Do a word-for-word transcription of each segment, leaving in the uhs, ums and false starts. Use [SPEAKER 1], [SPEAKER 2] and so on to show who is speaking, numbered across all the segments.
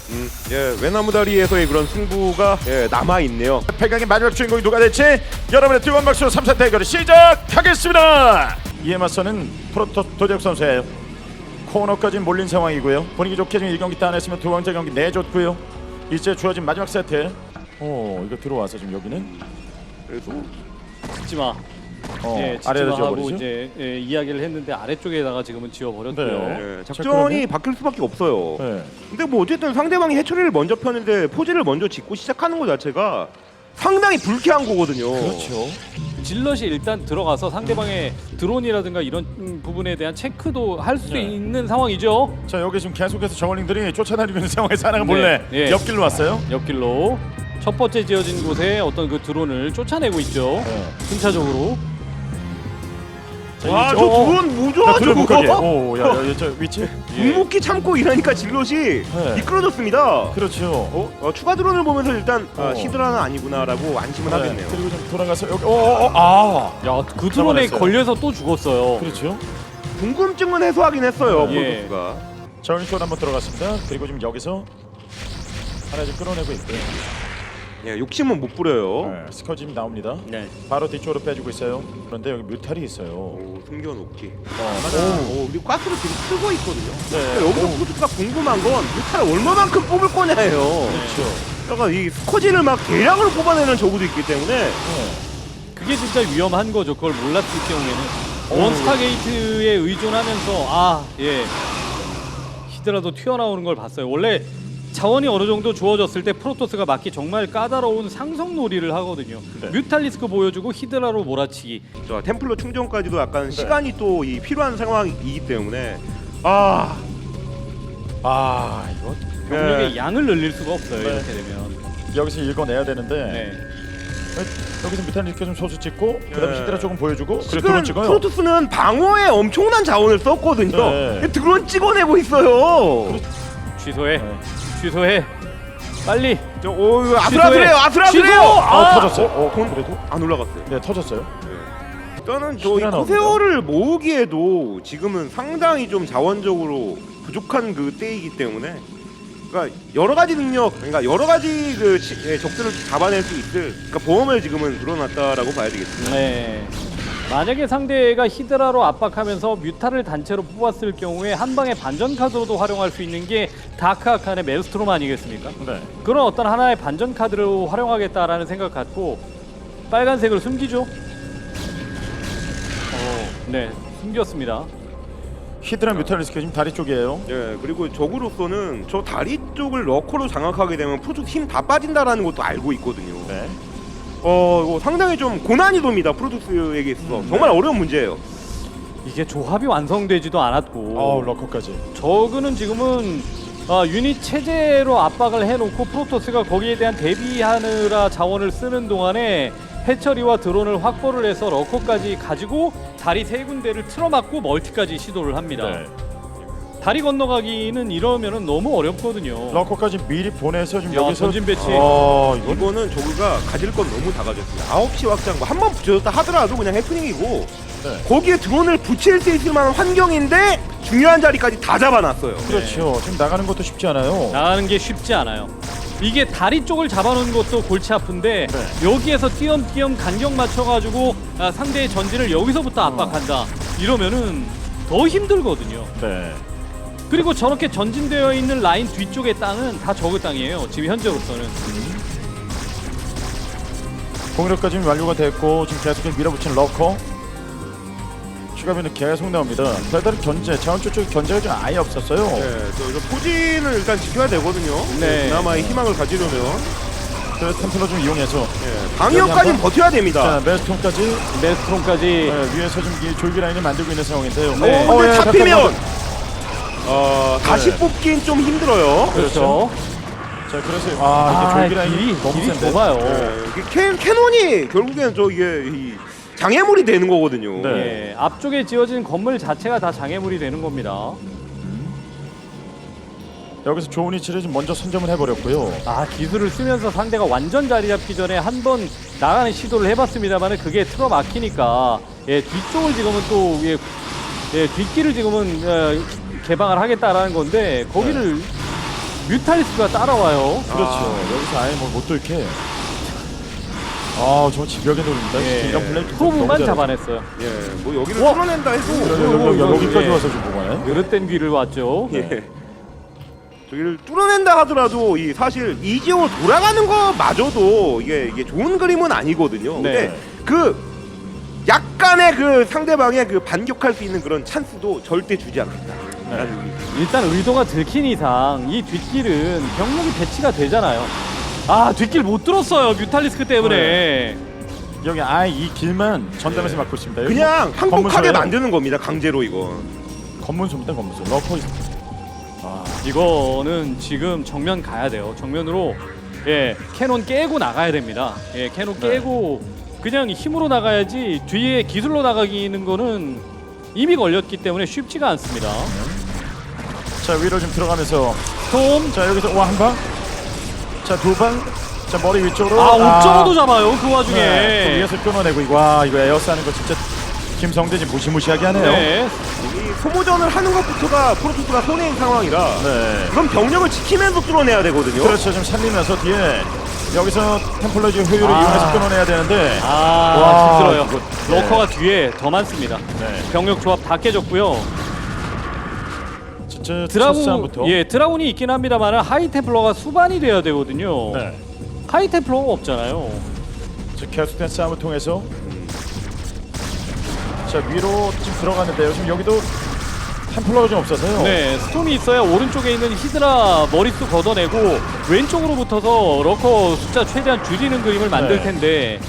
[SPEAKER 1] 음, 예, 외나무다리에서의 그런 승부가 예, 남아 있네요.
[SPEAKER 2] 팔 강의 마지막 주인공이 누가 될지 여러분의 뜨거운 박수로 삼 사 대결을 시작하겠습니다. 이에 맞서는 프로토 도재욱 선수예요. 코너까지 몰린 상황이고요. 분위기 좋게 지금 일 경기 따냈으면 두 번째 경기 내줬고요. 이제 주어진 마지막 세트. 오, 이거 들어와서 지금 여기는
[SPEAKER 1] 그래서
[SPEAKER 3] 짓지마.
[SPEAKER 2] 어,
[SPEAKER 3] 예,
[SPEAKER 2] 아래로
[SPEAKER 3] 짓지마 하고
[SPEAKER 2] 지어버리죠.
[SPEAKER 3] 이제 예, 이야기를 했는데 아래쪽에다가 지금은 지어버렸고요.
[SPEAKER 2] 네.
[SPEAKER 1] 예, 작전이 바뀔 수밖에 없어요.
[SPEAKER 2] 네.
[SPEAKER 1] 근데 뭐 어쨌든 상대방이 해처리를 먼저 폈는데 포즈를 먼저 짓고 시작하는 것 자체가 상당히 불쾌한 거거든요.
[SPEAKER 2] 그렇죠.
[SPEAKER 3] 질럿이 일단 들어가서 상대방의 드론이라든가 이런 음, 부분에 대한 체크도 할 수
[SPEAKER 2] 네.
[SPEAKER 3] 있는 상황이죠.
[SPEAKER 2] 자, 여기 지금 계속해서 저울링들이 쫓아다니고 있는 상황에서 하나가
[SPEAKER 3] 네.
[SPEAKER 2] 몰래
[SPEAKER 3] 예.
[SPEAKER 2] 옆길로 왔어요.
[SPEAKER 3] 옆길로 첫 번째 지어진 곳에 어떤 그 드론을 쫓아내고 있죠.
[SPEAKER 2] 네.
[SPEAKER 3] 순차적으로.
[SPEAKER 2] 자,
[SPEAKER 1] 와,
[SPEAKER 2] 이-
[SPEAKER 1] 저
[SPEAKER 2] 어, 어.
[SPEAKER 1] 드론 뭐죠?
[SPEAKER 2] 자, 드론 못 가게.
[SPEAKER 1] 저거?
[SPEAKER 2] 오, 야, 야, 저 위치.
[SPEAKER 1] 묵묵히 참고 이러니까 질럿이
[SPEAKER 2] 네.
[SPEAKER 1] 미끄러졌습니다.
[SPEAKER 2] 그렇죠.
[SPEAKER 1] 어? 어, 추가 드론을 보면서 일단 아,
[SPEAKER 2] 어.
[SPEAKER 1] 히드라는 아니구나라고 안심을
[SPEAKER 2] 네.
[SPEAKER 1] 하겠네요.
[SPEAKER 2] 그리고 좀 돌아가서 여기. 오, 오, 오, 아.
[SPEAKER 3] 야, 그 드론에
[SPEAKER 2] 잡아냈어요.
[SPEAKER 3] 걸려서 또 죽었어요.
[SPEAKER 2] 그렇죠.
[SPEAKER 1] 궁금증은 해소하긴 했어요.
[SPEAKER 3] 예.
[SPEAKER 1] 프로토스가.
[SPEAKER 2] 저울링 쪽 한번 들어갔습니다. 그리고 지금 여기서 하나 좀 끌어내고 있고요.
[SPEAKER 1] 예, 욕심은 못 부려요.
[SPEAKER 2] 네, 스커 지금 나옵니다.
[SPEAKER 3] 네.
[SPEAKER 2] 바로 뒤쪽으로 빼주고 있어요. 그런데 여기 뮤탈이 있어요.
[SPEAKER 1] 오, 숨겨놓기.
[SPEAKER 2] 어,
[SPEAKER 1] 맞아. 오, 그리고 가스를 지금 쓰고 있거든요.
[SPEAKER 2] 네.
[SPEAKER 1] 그러니까 여기서 프로토스가 궁금한 건 뮤탈을 얼마만큼 뽑을 거냐예요.
[SPEAKER 2] 그렇죠.
[SPEAKER 1] 그러니까 이 스커지를 막 대량으로 뽑아내는 저구도 있기 때문에
[SPEAKER 2] 네.
[SPEAKER 3] 그게 진짜 위험한 거죠. 그걸 몰랐을 경우에는
[SPEAKER 2] 어.
[SPEAKER 3] 원스타게이트에 의존하면서 아, 예. 히드라도 튀어나오는 걸 봤어요. 원래 자원이 어느 정도 주어졌을 때 프로토스가 맞기 정말 까다로운 상성놀이를 하거든요.
[SPEAKER 2] 네.
[SPEAKER 3] 뮤탈리스크 보여주고 히드라로 몰아치기.
[SPEAKER 1] 저 템플러 충전까지도 약간
[SPEAKER 2] 네.
[SPEAKER 1] 시간이 또 이 필요한 상황이기 때문에 아
[SPEAKER 2] 아, 이거
[SPEAKER 3] 병력의
[SPEAKER 1] 네.
[SPEAKER 3] 양을 늘릴 수가 없어요.
[SPEAKER 2] 네.
[SPEAKER 3] 이렇게 되면.
[SPEAKER 2] 여기서 읽어내야 되는데
[SPEAKER 3] 네.
[SPEAKER 2] 여기서 뮤탈 이렇게 좀 소수 찍고 그다음에
[SPEAKER 1] 네.
[SPEAKER 2] 히드라 조금 보여주고 그래
[SPEAKER 1] 지금
[SPEAKER 2] 드론 찍어요.
[SPEAKER 1] 프로토스는 방어에 엄청난 자원을 썼거든요.
[SPEAKER 2] 네.
[SPEAKER 1] 근데 드론 찍어내고 있어요.
[SPEAKER 3] 취소해.
[SPEAKER 2] 네.
[SPEAKER 3] 취소해. 빨리.
[SPEAKER 1] 저, 오, 이거 아슬아슬해요, 아슬아슬해요.
[SPEAKER 3] 취소!
[SPEAKER 2] 아,
[SPEAKER 3] 아!
[SPEAKER 2] 터졌어요. 어,
[SPEAKER 1] 돈-
[SPEAKER 2] 그래도
[SPEAKER 1] 안 올라갔어요.
[SPEAKER 2] 네, 터졌어요.
[SPEAKER 1] 일단은 저이
[SPEAKER 2] 시간
[SPEAKER 1] 코세오를 모으기에도 지금은 상당히 좀 자원적으로 부족한 그 때이기 때문에 그러니까 여러 가지 능력, 그러니까 여러 가지 그 치- 예, 적들을 잡아낼 수 있을 그러니까 보험을 지금은 늘어났다라고 봐야 되겠습니다.
[SPEAKER 3] 네. 만약에 상대가 히드라로 압박하면서 뮤타를 단체로 뽑았을 경우에 한 방의 반전 카드로도 활용할 수 있는 게 다크 아칸의 멜스트롬 아니겠습니까?
[SPEAKER 2] 네.
[SPEAKER 3] 그런 어떤 하나의 반전 카드로 활용하겠다라는 생각 갖고 빨간색을 숨기죠. 어, 네, 숨겼습니다.
[SPEAKER 2] 히드라 뮤탈리스크 지금 다리 쪽이에요.
[SPEAKER 1] 예, 그리고 적으로서는 저 다리 쪽을 러커로 장악하게 되면 프로토스 힘 다 빠진다라는 것도 알고 있거든요.
[SPEAKER 2] 네.
[SPEAKER 1] 어, 이거 상당히 좀 고난이도입니다. 프로토스에게 있어서 정말 어려운 문제예요.
[SPEAKER 3] 이게 조합이 완성되지도 않았고
[SPEAKER 2] 어우, 러커까지.
[SPEAKER 3] 저그는 지금은 아, 유닛 체제로 압박을 해놓고 프로토스가 거기에 대한 대비하느라 자원을 쓰는 동안에 해처리와 드론을 확보를 해서 러커까지 가지고 다리 세 군데를 틀어막고 멀티까지 시도를 합니다.
[SPEAKER 2] 네.
[SPEAKER 3] 다리 건너가기는 이러면은 너무 어렵거든요.
[SPEAKER 2] 러커까지 미리 보내서 지금
[SPEAKER 3] 야,
[SPEAKER 2] 여기서
[SPEAKER 3] 전진 배치.
[SPEAKER 2] 어, 이건
[SPEAKER 1] 이거는 저그가 가질 건 너무 다 가졌어요. 아홉 시 확장 뭐 한 번 붙여줬다 하더라도 그냥 해프닝이고
[SPEAKER 2] 네.
[SPEAKER 1] 거기에 드론을 붙일 수 있을 만한 환경인데 중요한 자리까지 다 잡아놨어요.
[SPEAKER 2] 그렇죠. 지금 나가는 것도 쉽지 않아요.
[SPEAKER 3] 나가는 게 쉽지 않아요. 이게 다리 쪽을 잡아놓은 것도 골치 아픈데
[SPEAKER 2] 네.
[SPEAKER 3] 여기에서 띄엄띄엄 간격 맞춰가지고 아, 상대의 전진을 여기서부터 압박한다. 이러면은 더 힘들거든요.
[SPEAKER 2] 네.
[SPEAKER 3] 그리고 저렇게 전진되어 있는 라인 뒤쪽의 땅은 다 저그 땅이에요. 지금 현재로서는.
[SPEAKER 2] 공격까지 지금 완료가 됐고 지금 계속 밀어붙이는 러커. 추가비는 계속 나옵니다. 별다른 견제, 자원줄 쪽에 견제가 좀 아예 없었어요.
[SPEAKER 1] 네, 저, 저 포진을 일단 지켜야 되거든요.
[SPEAKER 3] 네.
[SPEAKER 1] 그나마의 희망을 가지려면
[SPEAKER 2] 그래서 템플러 좀 이용해서
[SPEAKER 1] 네, 방역까지는
[SPEAKER 2] 한번.
[SPEAKER 1] 버텨야 됩니다.
[SPEAKER 2] 자, 메스톤까지
[SPEAKER 3] 메스트롬까지
[SPEAKER 2] 네, 위에서 지금 이 졸기 라인을 만들고 있는 상황인데요.
[SPEAKER 3] 네.
[SPEAKER 1] 어, 근데
[SPEAKER 2] 예,
[SPEAKER 1] 잡히면
[SPEAKER 2] 잠깐만.
[SPEAKER 1] 어, 다시
[SPEAKER 2] 네.
[SPEAKER 1] 뽑긴 좀 힘들어요.
[SPEAKER 3] 그렇죠.
[SPEAKER 2] 자, 그래서 아, 이게
[SPEAKER 3] 아,
[SPEAKER 2] 졸기 라인이
[SPEAKER 3] 길이,
[SPEAKER 2] 너무
[SPEAKER 3] 길이
[SPEAKER 2] 센데.
[SPEAKER 3] 좁아요.
[SPEAKER 1] 네, 이게 캐, 캐논이 결국에는 저 이게 이 장애물이 되는 거거든요.
[SPEAKER 2] 네.
[SPEAKER 3] 예, 앞쪽에 지어진 건물 자체가 다 장애물이 되는 겁니다.
[SPEAKER 2] 여기서 좋은 위치를 좀 먼저 선점을 해버렸고요.
[SPEAKER 3] 아, 기술을 쓰면서 상대가 완전 자리 잡기 전에 한 번 나가는 시도를 해봤습니다만 그게 틀어 막히니까 예, 뒤쪽을 지금은 또 예, 예, 뒷길을 지금은 어, 개방을 하겠다라는 건데 거기를 뮤탈리스크가 따라와요.
[SPEAKER 2] 그렇죠.
[SPEAKER 1] 아.
[SPEAKER 2] 여기서 아예 뭐못 돌게. 아, 저 집벽에 노립니다.
[SPEAKER 3] 예.
[SPEAKER 2] 이런 플레이
[SPEAKER 3] 프로브만 잡아냈어요.
[SPEAKER 1] 예, 뭐 여기를
[SPEAKER 3] 와.
[SPEAKER 1] 뚫어낸다 해도
[SPEAKER 2] 여기, 여기, 여기까지
[SPEAKER 3] 예.
[SPEAKER 2] 와서 좀 보가요.
[SPEAKER 3] 그릇된 귀를 왔죠.
[SPEAKER 1] 예. 저기를 뚫어낸다 하더라도 이 사실 이지오 돌아가는 거마저도 이게 이게 좋은 그림은 아니거든요.
[SPEAKER 3] 네.
[SPEAKER 1] 근데 그 약간의 그 상대방의 그 반격할 수 있는 그런 찬스도 절대 주지 않겠다.
[SPEAKER 2] 네.
[SPEAKER 1] 라는 의미.
[SPEAKER 3] 일단 의도가 들킨 이상 이 뒷길은 병력이 배치가 되잖아요. 아 뒷길 못 뚫었어요. 뮤탈리스크 때문에.
[SPEAKER 2] 여기 아예 이 길만 전담해서 막고 있습니다. 여기
[SPEAKER 1] 그냥
[SPEAKER 2] 뭐
[SPEAKER 1] 항복하게
[SPEAKER 2] 건문소예요.
[SPEAKER 1] 만드는 겁니다. 강제로 이거.
[SPEAKER 2] 건문소입니다. 건문소. 러커 있... 아,
[SPEAKER 3] 이거는 지금 정면 가야 돼요. 정면으로 예 캐논 깨고 나가야 됩니다. 예 캐논
[SPEAKER 2] 네.
[SPEAKER 3] 깨고 그냥 힘으로 나가야지 뒤에 기술로 나가기는 거는 이미 걸렸기 때문에 쉽지가 않습니다.
[SPEAKER 2] 자 위로 좀 들어가면서
[SPEAKER 3] 스톰
[SPEAKER 2] 자 여기서 와 한 방. 자 두 방. 자 머리 위쪽으로.
[SPEAKER 3] 아 옥저버도 잡아요. 그 와중에.
[SPEAKER 2] 네, 또 위에서 끊어내고 이거 와 이거 에어스 하는 거 진짜 김성대 지금 무시무시하게 하네요.
[SPEAKER 3] 네.
[SPEAKER 1] 이 소모전을 하는 것부터가 프로토스가 손해인 상황이라
[SPEAKER 2] 네.
[SPEAKER 1] 그럼 병력을 지키면서 뚫어내야 되거든요.
[SPEAKER 2] 그렇죠. 좀 살리면서 뒤에 여기서 템플러 지금 효율을
[SPEAKER 3] 아.
[SPEAKER 2] 이용해서 끊어내야 되는데.
[SPEAKER 3] 아
[SPEAKER 2] 와,
[SPEAKER 3] 힘들어요.
[SPEAKER 2] 이거-
[SPEAKER 3] 러커가 뒤에 더 많습니다.
[SPEAKER 2] 네.
[SPEAKER 3] 병력 조합 다 깨졌고요.
[SPEAKER 2] 진짜 첫
[SPEAKER 3] 드라군
[SPEAKER 2] 싸움부터.
[SPEAKER 3] 예 드라군이 있긴 합니다만 하이 템플러가 수반이 돼야 되거든요.
[SPEAKER 2] 네.
[SPEAKER 3] 하이 템플러가 없잖아요.
[SPEAKER 2] 자, 계속된 싸움을 통해서 자 위로 지금 들어갔는데요. 지금 여기도 템플러가 좀 없어서요.
[SPEAKER 3] 네, 스톰이 있어야 오른쪽에 있는 히드라 머릿수 걷어내고 왼쪽으로 붙어서 러커 숫자 최대한 줄이는 그림을 만들
[SPEAKER 2] 네.
[SPEAKER 3] 텐데.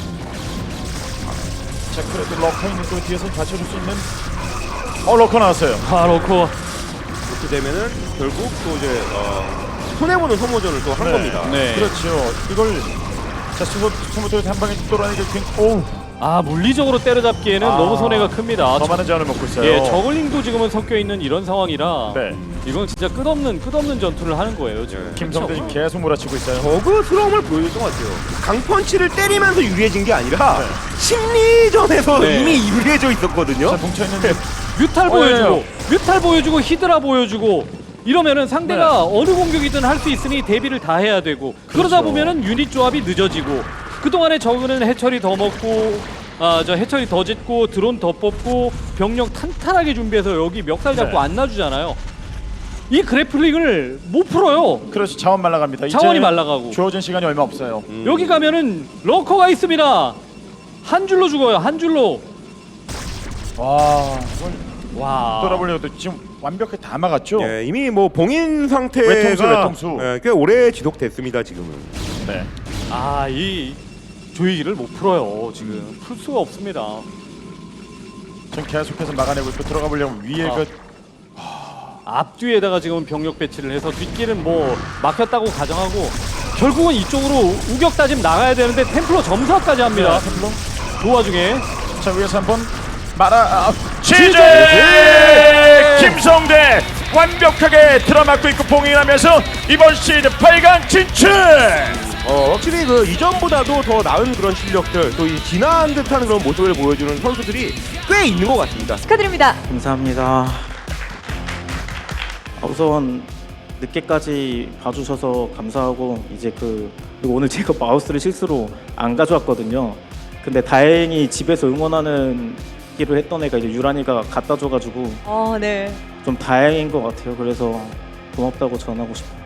[SPEAKER 2] 자 그래도 러커 있는 거 뒤에서 받쳐줄 수 있는. 어 러커 나왔어요.
[SPEAKER 3] 아 러커
[SPEAKER 1] 이렇게 되면은 결국 또 이제 어, 손해보는 소모전을 또 한
[SPEAKER 2] 네.
[SPEAKER 1] 겁니다.
[SPEAKER 3] 네.
[SPEAKER 2] 그렇죠. 이걸 자 스무 스무토에서 한 방에 뚫어내니까 오.
[SPEAKER 3] 아 물리적으로 때려잡기에는
[SPEAKER 2] 아,
[SPEAKER 3] 너무 손해가 큽니다.
[SPEAKER 2] 더 많은 자원을 먹고 있어요.
[SPEAKER 3] 예, 저글링도 지금은 섞여 있는 이런 상황이라
[SPEAKER 2] 네.
[SPEAKER 3] 이건 진짜 끝없는 끝없는 전투를 하는 거예요 지금.
[SPEAKER 1] 네.
[SPEAKER 2] 김성대 지금 계속 몰아치고 있어요.
[SPEAKER 1] 버그스러움을 보여줬던 것 같아요. 강펀치를 때리면서 유리해진 게 아니라
[SPEAKER 2] 네.
[SPEAKER 1] 심리전에서
[SPEAKER 3] 네.
[SPEAKER 1] 이미 유리해져 있었거든요.
[SPEAKER 2] 자 뭉쳐 있는데
[SPEAKER 3] 뮤탈
[SPEAKER 2] 어,
[SPEAKER 3] 보여주고
[SPEAKER 2] 예,
[SPEAKER 3] 뮤탈 보여주고 히드라 보여주고 이러면은 상대가
[SPEAKER 2] 네.
[SPEAKER 3] 어느 공격이든 할 수 있으니 대비를 다 해야 되고 그러다
[SPEAKER 2] 그렇죠.
[SPEAKER 3] 보면은 유닛 조합이 늦어지고 그동안에 저그는 해처리 더 먹고 아 저 해처리 더 짓고 드론 더 뽑고 병력 탄탄하게 준비해서 여기 멱살 잡고
[SPEAKER 2] 네.
[SPEAKER 3] 안 놔주잖아요. 이 그래플링을 못 풀어요.
[SPEAKER 2] 그렇죠. 자원 말라갑니다.
[SPEAKER 3] 자원이
[SPEAKER 2] 이제
[SPEAKER 3] 말라가고
[SPEAKER 2] 주어진 시간이 얼마 없어요.
[SPEAKER 1] 음.
[SPEAKER 3] 여기 가면은 러커가 있습니다. 한 줄로 죽어요. 한 줄로.
[SPEAKER 2] 와 이걸
[SPEAKER 3] 와.
[SPEAKER 2] 돌아보려도 지금 완벽하게 다 막았죠.
[SPEAKER 1] 예, 이미 뭐 봉인 상태가
[SPEAKER 2] 외통수, 외통수.
[SPEAKER 1] 예, 꽤 오래 지속됐습니다. 지금은.
[SPEAKER 2] 네.
[SPEAKER 3] 아, 이 조이기를 못 풀어요. 지금 풀 수가 없습니다.
[SPEAKER 2] 지금 계속해서 막아내고 있고 들어가 보려면 위에
[SPEAKER 3] 아.
[SPEAKER 2] 그
[SPEAKER 3] 앞뒤에다가 지금 병력 배치를 해서 뒷길은 뭐 막혔다고 가정하고 결국은 이쪽으로 우격 다짐 나가야 되는데 템플러 점사까지 합니다.
[SPEAKER 2] 네, 템플러.
[SPEAKER 3] 그 와중에
[SPEAKER 2] 자 위에서 한번 말아 아,
[SPEAKER 3] 취재!
[SPEAKER 2] 취재 김성대 완벽하게 들어맞고 있고 봉인하면서 이번 시즌 팔 강 진출.
[SPEAKER 1] 어, 확실히 그 이전보다도 더 나은 그런 실력들, 또 이 진화한 듯한 그런 모습을 보여주는 선수들이 꽤 있는 것 같습니다.
[SPEAKER 4] 축하드립니다.
[SPEAKER 5] 감사합니다. 아, 우선 늦게까지 봐주셔서 감사하고 이제 그 그리고 오늘 제가 마우스를 실수로 안 가져왔거든요. 근데 다행히 집에서 응원하는 기를 했던 애가 이제 유란이가 갖다 줘가지고
[SPEAKER 4] 어, 네.
[SPEAKER 5] 좀 다행인 것 같아요. 그래서 고맙다고 전하고 싶어요.